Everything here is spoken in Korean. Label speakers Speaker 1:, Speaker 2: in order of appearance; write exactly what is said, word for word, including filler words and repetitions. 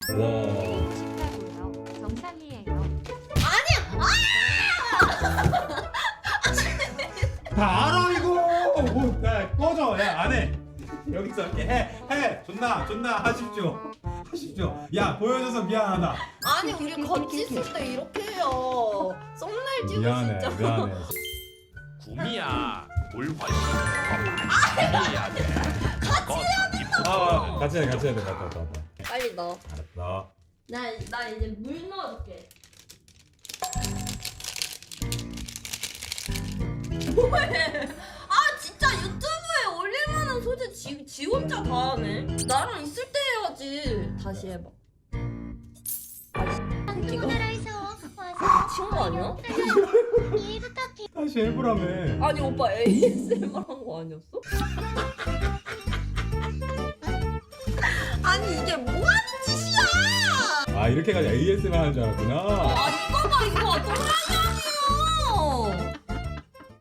Speaker 1: 와.
Speaker 2: 쉽다고요. 정상이에요.
Speaker 1: 다 알아 이거. 뭐, 야, 꺼져. 야, 안 해. 여기서 이렇게 해. 해. 존나 존나 하십시오. 하십시오. 야, 보여줘서 미안하다.
Speaker 3: 아니 우리 같이 있을 때 이렇게 해요. 썸네일 찍고
Speaker 1: 미안해.
Speaker 3: 진짜.
Speaker 1: 미안해.
Speaker 4: 구미야 물 훨씬 더 많이 해야 돼. 같이 해야 된다.
Speaker 1: 아, 같이 해. 같이 해야 돼. 맞다, 맞다, 맞다.
Speaker 3: 빨리 넣어.
Speaker 1: 알았어.
Speaker 3: 나, 나 이제 물 넣어줄게. 뭐해? 아 진짜 유튜브에 올릴만한 소재 지, 지 혼자 다 하네. 나랑 있을 때 해야지. 다시 해봐. 아 이거 친구 아니야?
Speaker 1: 다시 해보라며.
Speaker 3: 아니 오빠 에이에스엠알 한 거 아니었어? 아니 이게 뭐 하는 짓이야?
Speaker 1: 아, 이렇게 가지고 에이에스엠알 하는 줄 알았구나.
Speaker 3: 아 이거 봐 이거 또라이